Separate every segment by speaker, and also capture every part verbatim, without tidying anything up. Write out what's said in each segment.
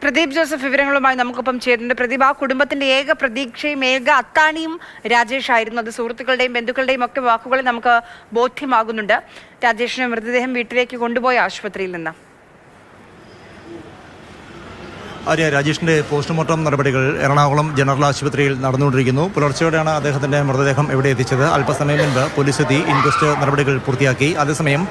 Speaker 1: Pradeep Joseph വിവരങ്ങളുമായി നമുക്കൊപ്പം ചേരുന്നുണ്ട്. പ്രദീപ്, ആ കുടുംബത്തിന്റെ ഏക പ്രതീക്ഷയും ഏക അത്താണിയും രാജേഷ് ആയിരുന്നു. അത് സുഹൃത്തുക്കളുടെയും ബന്ധുക്കളുടെയും ഒക്കെ വാക്കുകളിൽ നമുക്ക് ബോധ്യമാകുന്നുണ്ട്. രാജേഷിന്റെ മൃതദേഹം വീട്ടിലേക്ക് കൊണ്ടുപോയ ആശുപത്രിയിൽ നിന്ന്
Speaker 2: ആര്യ, രാജേഷിൻ്റെ പോസ്റ്റ്മോർട്ടം നടപടികൾ എറണാകുളം ജനറൽ ആശുപത്രിയിൽ നടന്നുകൊണ്ടിരിക്കുന്നു. പുലർച്ചെയോടെയാണ് അദ്ദേഹത്തിൻ്റെ മൃതദേഹം എവിടെ എത്തിച്ചത്. അല്പസമയം മുൻപ് പോലീസ് എത്തി ഇൻക്വസ്റ്റ് നടപടികൾ പൂർത്തിയാക്കി. അതേസമയം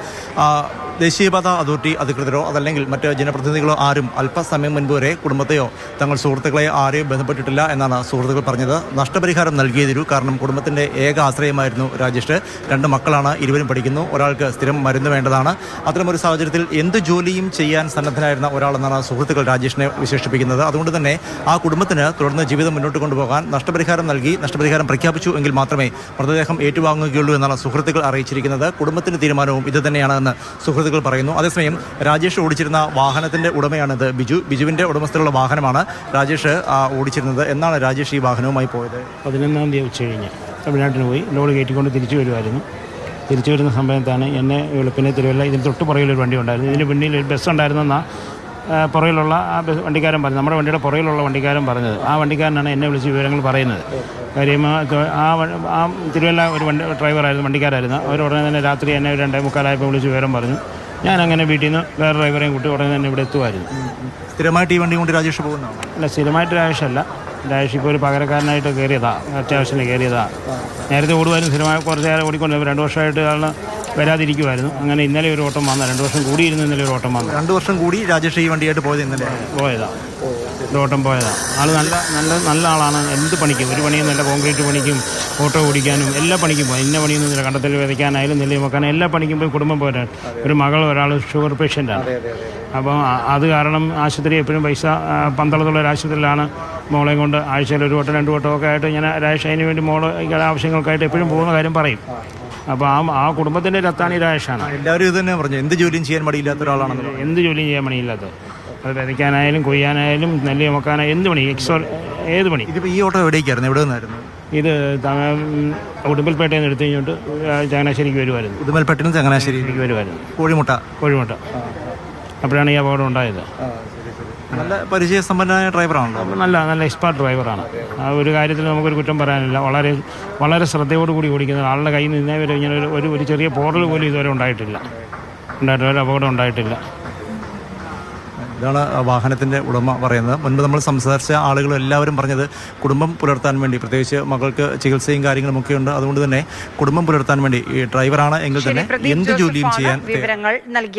Speaker 2: ദേശീയപാത അതോറിറ്റി അധികൃതരോ അതല്ലെങ്കിൽ മറ്റ് ജനപ്രതിനിധികളോ ആരും അല്പസമയം മുൻപ് വരെ കുടുംബത്തെയോ തങ്ങൾ സുഹൃത്തുക്കളെ ആരെയും ബന്ധപ്പെട്ടിട്ടില്ല എന്നാണ് സുഹൃത്തുക്കൾ പറഞ്ഞത്. നഷ്ടപരിഹാരം നൽകിയേ തീരൂ, കാരണം കുടുംബത്തിൻ്റെ ഏക ആശ്രയമായിരുന്നു രാജേഷ്. രണ്ട് മക്കളാണ്, ഇരുവരും പഠിക്കുന്നു. ഒരാൾക്ക് സ്ഥിരം മരുന്ന് വേണ്ടതാണ്. അത്തരമൊരു സാഹചര്യത്തിൽ എന്ത് ജോലിയും ചെയ്യാൻ സന്നദ്ധനായിരുന്ന ഒരാളെന്നാണ് സുഹൃത്തുക്കൾ രാജേഷിനെ വിശേഷിപ്പിക്കുന്നത്. അതുകൊണ്ട് തന്നെ ആ കുടുംബത്തിന് തുടർന്ന് ജീവിതം മുന്നോട്ട് കൊണ്ടുപോകാൻ നഷ്ടപരിഹാരം നൽകി നഷ്ടപരിഹാരം പ്രഖ്യാപിച്ചു എങ്കിൽ മാത്രമേ മൃതദേഹം ഏറ്റുവാങ്ങുകയുള്ളൂ എന്നാണ് സുഹൃത്തുക്കൾ അറിയിച്ചിരിക്കുന്നത്. കുടുംബത്തിന്റെ തീരുമാനവും ഇത് തന്നെയാണെന്ന് സുഹൃത്തുക്കൾ പറയുന്നു. അതേസമയം രാജേഷ് ഓടിച്ചിരുന്ന വാഹനത്തിന്റെ ഉടമയാണിത് ബിജു. ബിജുവിന്റെ ഉടമസ്ഥയിലുള്ള വാഹനമാണ് രാജേഷ് ഓടിച്ചിരുന്നത്. എന്നാണ് രാജേഷ് ഈ വാഹനവുമായി പോയത്?
Speaker 3: പതിനൊന്നാം തീയതി ഉച്ച കഴിഞ്ഞ് തമിഴ്നാട്ടിന് പോയി ലോഡ് കയറ്റിക്കൊണ്ട് തിരിച്ചു വരുമായിരുന്നു. തിരിച്ചു വരുന്ന സമയത്താണ് എന്നെ വെളുപ്പിനെ തിരുവല്ല ഇതിന് തൊട്ട് പുറകിലൊരു വണ്ടി ഉണ്ടായിരുന്നു. ഇതിന് പിന്നിൽ ഒരു ബസ് ഉണ്ടായിരുന്നെന്നാണ് പുറകിലുള്ള ആ ബസ് വണ്ടിക്കാരൻ പറഞ്ഞത്. നമ്മുടെ വണ്ടിയുടെ പുറകിലുള്ള വണ്ടിക്കാരൻ പറഞ്ഞത്. ആ വണ്ടിക്കാരനാണ് എന്നെ വിളിച്ച് വിവരങ്ങൾ പറയുന്നത്. കാര്യം ആ ആ തിരുവല്ല ഒരു വണ്ടി ഡ്രൈവറായിരുന്നു, വണ്ടിക്കാരായിരുന്നു. അവർ ഉടനെ തന്നെ രാത്രി എന്നെ രണ്ടേ മുക്കാലായപ്പോൾ വിളിച്ച് വിവരം പറഞ്ഞു. ഞാനങ്ങനെ വീട്ടിൽ നിന്ന് വേറെ ഡ്രൈവറെയും കൂട്ടി ഉടനെ തന്നെ ഇവിടെ എത്തുമായിരുന്നു.
Speaker 2: സ്ഥിരമായിട്ട് ഈ വണ്ടി കൊണ്ട് രാജേഷ് പോകുന്നതാണ്?
Speaker 3: അല്ല, സ്ഥിരമായിട്ട് രാജേഷല്ല. രാജേഷ് ഇപ്പോൾ ഒരു പകരക്കാരനായിട്ട് കയറിയതാണ്, അത്യാവശ്യത്തിന് കയറിയതാണ്. നേരത്തെ ഓടുമായിരുന്നു, സ്ഥിരമായി കുറച്ച് നേരം ഓടിക്കൊണ്ട് രണ്ട് വർഷമായിട്ട് ആൾ വരാതിരിക്കുമായിരുന്നു. അങ്ങനെ ഇന്നലെ ഒരു ഓട്ടം വന്ന രണ്ട് വർഷം കൂടിയിരുന്നു. ഇന്നലെ ഒരു ഓട്ടം വന്നു.
Speaker 2: രണ്ട് വർഷം കൂടി രാജേഷ് ഈ വണ്ടിയായിട്ട് പോയത് ഇന്നലെ
Speaker 3: പോയതാണ്, ഒരു ഓട്ടം പോയതാണ്. ആൾ നല്ല നല്ല നല്ല ആളാണ്. എന്ത് പണിക്കും, ഒരു പണിയും നല്ല കോൺക്രീറ്റ് പണിക്കും ഓട്ടോ ഓടിക്കാനും എല്ലാ പണിക്കും പോയി. ഇന്ന പണിയൊന്നും കണ്ടത്തിൽ വിതയ്ക്കാനായാലും നെല്ല് വെക്കാനും എല്ലാ പണിക്കും പോയി കുടുംബം പോരാൻ. ഒരു മകൾ ഒരാൾ ഷുഗർ പേഷ്യൻ്റാണ്. അപ്പോൾ അത് കാരണം ആശുപത്രി എപ്പോഴും പൈസ പന്തളത്തുള്ള ഒരു ആശുപത്രിയിലാണ് മോളെയും കൊണ്ട് ആഴ്ചയിൽ ഒരു വട്ടം രണ്ട് വട്ടം ഒക്കെ ആയിട്ട് ഞാൻ രാജേഷ് അതിന് വേണ്ടി മോള് ആവശ്യങ്ങൾക്കായിട്ട് എപ്പോഴും പോകുന്ന കാര്യം പറയും. അപ്പോൾ ആ ആ കുടുംബത്തിൻ്റെ രത്താണി രാജേഷാണ്.
Speaker 2: എല്ലാവരും ഇത് തന്നെ പറഞ്ഞു, എന്ത് ജോലിയും ചെയ്യാൻ മടിയില്ലാത്ത ഒരാളാണെന്ന്.
Speaker 3: എന്ത് ജോലിയും ചെയ്യാൻ മടിയില്ലാത്തത്, അത് വിതയ്ക്കാനായാലും കൊയ്യാനായാലും നെല്ല് ചുമക്കാനായാലും എന്ത് പണി, എക്സോ ഏത് പണി.
Speaker 2: ഇതിപ്പോൾ ഈ ഓട്ടോ എവിടേക്കായിരുന്നു, എവിടെ നിന്നായിരുന്നു?
Speaker 3: ഇത് ഉടുമ്പൽപേട്ടയിൽ നിന്ന് എടുത്തു കഴിഞ്ഞിട്ട് ചങ്ങനാശ്ശേരിക്ക് വരുമായിരുന്നു.
Speaker 2: ഉടുമ്പൽപേട്ടയിൽ നിന്ന് ചങ്ങനാശ്ശേരിക്ക്
Speaker 3: വരുമായിരുന്നു.
Speaker 2: കോഴിമുട്ട
Speaker 3: കോഴിമുട്ട അപ്പോഴാണ് ഈ അപകടം ഉണ്ടായത്.
Speaker 2: നല്ല പരിചയസമ്പന്നനായ ഡ്രൈവറാണല്ലോ.
Speaker 3: നല്ല നല്ല എക്സ്പേർട്ട് ഡ്രൈവറാണ്. ആ ഒരു കാര്യത്തിൽ നമുക്കൊരു കുറ്റം പറയാനില്ല. വളരെ വളരെ ശ്രദ്ധയോടുകൂടി ഓടിക്കുന്ന ആളുടെ കയ്യിൽ നിന്ന് ഇന്നേ വരെ ഇങ്ങനെ ഒരു ഒരു ചെറിയ പോറൽ പോലും ഇതുവരെ ഉണ്ടായിട്ടില്ല ഉണ്ടായിട്ടില്ല ഒരു അപകടം ഉണ്ടായിട്ടില്ല.
Speaker 2: ഇതാണ് വാഹനത്തിൻ്റെ ഉടമ പറയുന്നത്. മുൻപ് നമ്മൾ സംസാരിച്ച ആളുകൾ എല്ലാവരും പറഞ്ഞത് കുടുംബം പുലർത്താൻ വേണ്ടി, പ്രത്യേകിച്ച് മകൾക്ക് ചികിത്സയും കാര്യങ്ങളും ഒക്കെ ഉണ്ട്, അതുകൊണ്ട് തന്നെ കുടുംബം പുലർത്താൻ വേണ്ടി ഈ ഡ്രൈവറാണ് എങ്കിൽ തന്നെ എന്ത് ജോലിയും ചെയ്യാൻ
Speaker 1: വിവരങ്ങൾ നൽകി.